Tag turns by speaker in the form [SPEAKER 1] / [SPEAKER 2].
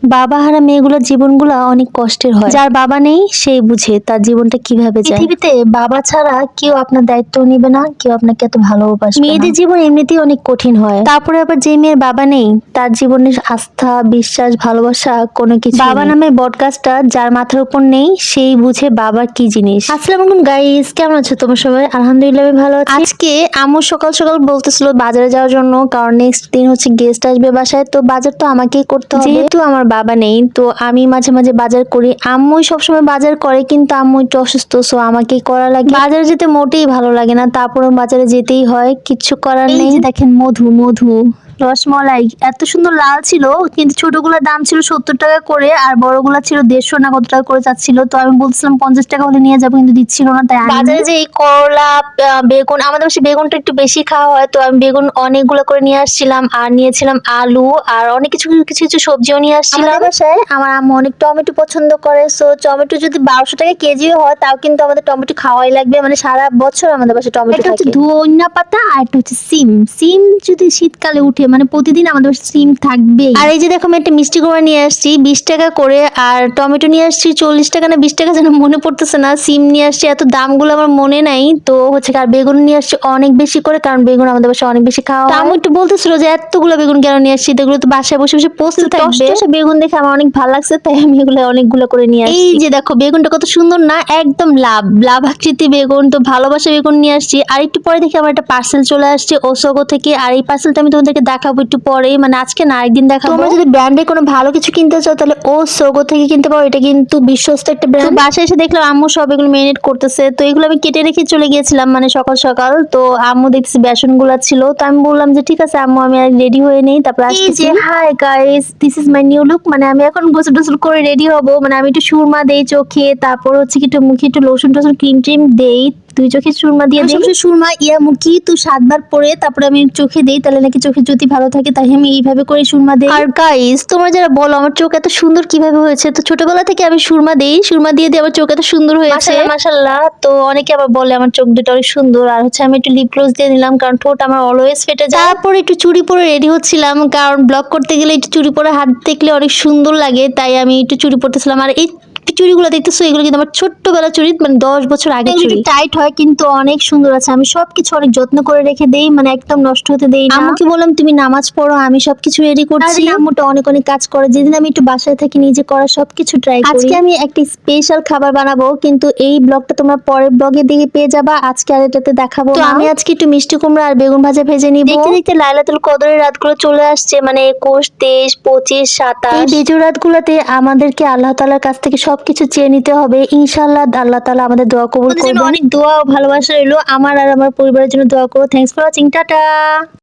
[SPEAKER 1] বাবা হারা মেয়েগুলোর জীবনগুলো অনেক কষ্টের হয়। যার বাবা নেই সেই বুঝে তার জীবনটা কিভাবে যায়। পৃথিবীতে বাবা ছাড়া কেউ আপনার দায়িত্ব নিবে না, কেউ আপনাকে এত ভালোবাসবে না। মেয়েদের জীবন এমনিতেই অনেক কঠিন হয়, তারপরে আবার যে মেয়ের বাবা নেই তার জীবনের আস্থা, বিশ্বাস, ভালোবাসা কোনো কিছু বাবা নামের বটগাছটা যার মাথার উপর নেই সেই বুঝে বাবার কি জিনিস। আসসালামু আলাইকুম গাইস, কেমন আছো তোমরা সবাই? আলহামদুলিল্লাহ আমি ভালো আছি। আজকে আম্মু সকাল সকাল বলতেছিল বাজারে যাওয়ার জন্য, কারণ নেক্সট দিন হচ্ছে গেস্ট আসবে বাসায়, তো বাজার তো আমাকেই করতে হবে। যেহেতু আমার বাবা নেই তো আমি মাঝে মাঝে বাজার করি, আম্মুই সবসময় বাজার করে, কিন্তু আম্মু একটু অসুস্থ, সো আমাকেই করা লাগে। বাজারে যেতে মোটেই ভালো লাগে না, তারপরে বাজারে যেতেই হয়, কিচ্ছু করার নেই। দেখেন মধু মধু রসমলাই এত সুন্দর লাল ছিল, কিন্তু ছোটগুলোর দাম ছিল 70 টাকা করে, আর বড়গুলা ছিল 150 না কত টাকা করে চাচ্ছিল। তো আমি বলছিলাম 50 টাকা হলে নিয়ে যাবো, কিন্তু দিচ্ছিল না। তাই বাজারে যে এই করলা, বেগুন, আমাদের বাসায় বেগুনটা একটু বেশি খাওয়া হয়, তো আমি বেগুন অনেকগুলো করে নিয়ে আসছিলাম, আর নিয়েছিলাম আলু, আর অনেক কিছু কিছু কিছু সবজিও নিয়ে আসছিলাম। বাসায় আমার আম্মু অনেক টমেটো পছন্দ করে, সো টমেটো যদি 1200 টাকা কেজিও হয় তাও কিন্তু আমাদের টমেটো খাওয়াই লাগবে, মানে সারা বছর আমাদের বাসায় টমেটো থাকে। হচ্ছে ধনিয়া পাতা, আর একটা হচ্ছে সিম। সিম যদি শীতকালে উঠে মানে প্রতিদিন আমাদের সিম থাকবে। আর এই যে দেখো আমি একটা মিষ্টি কুমড়া নিয়ে আসছি 20 টাকা করে, আর টমেটো নিয়ে আসছি 40 টাকা না 20 টাকা যেন মনে পড়তেছে না। সিম নিয়ে আসছি, এত দামগুলো আমার মনে নাই। তো হচ্ছে আর বেগুন নিয়ে আসছি অনেক বেশি করে, কারণ বেগুন আমাদের বাসায় অনেক বেশি খাওয়া হয়। আমি একটু বলতেছিল যে এতগুলো বেগুন কেন নিয়ে আসছি, এগুলো তো বাসায় বসে বসে পচতে থাকবে। বেগুন দেখে আমার অনেক ভালো লাগছে, তাই আমি এগুলো অনেকগুলো করে নিয়ে আসছি। এই যে দেখো বেগুনটা কত সুন্দর না, একদম লাভ লাভ আকৃতি বেগুন, তো ভালোবাসা বেগুন নিয়ে আসছি। আর একটু পরে দেখি আমার একটা পার্সেল চলে আসছে ওসোগো থেকে, আর এই পার্সেলটা আমি তোমাদেরকে দেখাবো একটু পরে, মানে আজকে না আরেকদিন দেখাবো। তোমরা যদি ব্র্যান্ডে কোনো ভালো কিছু কিনতে চাও তাহলে ওসোগো থেকে কিনতে পারো, এটা কিন্তু বিশ্বস্ত একটা ব্র্যান্ড। বাসায় এসে দেখলাম আম্মু সব এগুলো মেরিনেট করতেছে, তো এগুলো আমি কেটে রেখে চলে গিয়েছিলাম মানে সকাল সকাল। তো আম্মু দেখছি বেসন গুলা ছিল, তো আমি বললাম যে ঠিক আছে আম্মু আমি রেডি হয়ে নেই, তারপর আসছি। Hi guys, this is my new look, মানে আমি এখন গোসল টোসল করে রেডি হব, মানে আমি একটু সুরমা দেই চোখে, তারপর হচ্ছে কি একটু মুখে একটু লোশন টোশন ক্রিম ট্রিম দেই, 2 চোখে সুরমা দিয়ে দিই। সবসময় সুরমা মুখি তো 7 বার পরে তারপরে আমি চোখে দেই, তাহলে নাকি চোখের জ্যোতি ভালো থাকে, তাই আমি এইভাবে করে সুরমা দেই। আর গাইস তোমরা যারা বলো আমার চোখ এত সুন্দর কিভাবে হয়েছে, তো ছোটবেলা থেকে আমি সুরমা দেই, সুরমা দিয়ে দিয়ে আমার চোখ এত সুন্দর হয়েছে মাশাআল্লাহ। তো অনেকে আবার বলে আমার চোখ দুটো অনেক সুন্দর। আর হচ্ছে আমি একটু লিপ গ্লস দিয়ে নিলাম, কারণ ঠোঁট আমার অলওয়েজ ফেটে যায়। তারপর একটু চুড়ি পরে রেডি হচ্ছিলাম, কারণ ব্লগ করতে গেলে একটু চুড়ি পরে হাত দেখলে অনেক সুন্দর লাগে, তাই আমি একটু চুড়ি পরতেছিলাম। আর এই চুড়িগুলো দেখতেছো এগুলো কিন্তু আমার ছোট্টবেলা চুড়ি, মানে 10 বছর আগে চুড়ি। টাইট হয় কিন্তু অনেক সুন্দর আছে, আমি সবকিছু অনেক যত্ন করে রেখে দেই, মানে একদম নষ্ট হতে দেই না। আম্মুকে বললাম তুমি নামাজ পড়ো, আমি সবকিছু রেডি করছি। আম্মুটা অনেক অনেক কাজ করে, যেদিন আমি একটু বাসায় থাকি নিজে করা সবকিছু ট্রাই করি। আজকে আমি একটা স্পেশাল খাবার বানাবো, কিন্তু এই ব্লগটা তোমরা পরের ব্লগে দিকে পেয়ে যাবা, আজকে আর এটাতে দেখাবো না। আমি আজকে একটু মিষ্টি কুমড়া আর বেগুন ভাজা ভেজে নিব। দেখতে দেখতে লাইলাতুল কদরের রাতগুলো চলে আসছে, মানে 21, 23, 25, 27। এই বেজোর রাতগুলোতে আমাদেরকে আল্লাহ তাআলার কাছ থেকে সবকিছু চেয়ে নিতে হবে, ইনশাআল্লাহ আল্লাহ তাআলা আমাদের দোয়া কবুল করবেন। অনেক দোয়া ও ভালোবাসা রইলো, আমার আর আমার পরিবারের জন্য দোয়া করো। Thanks for watching, tata.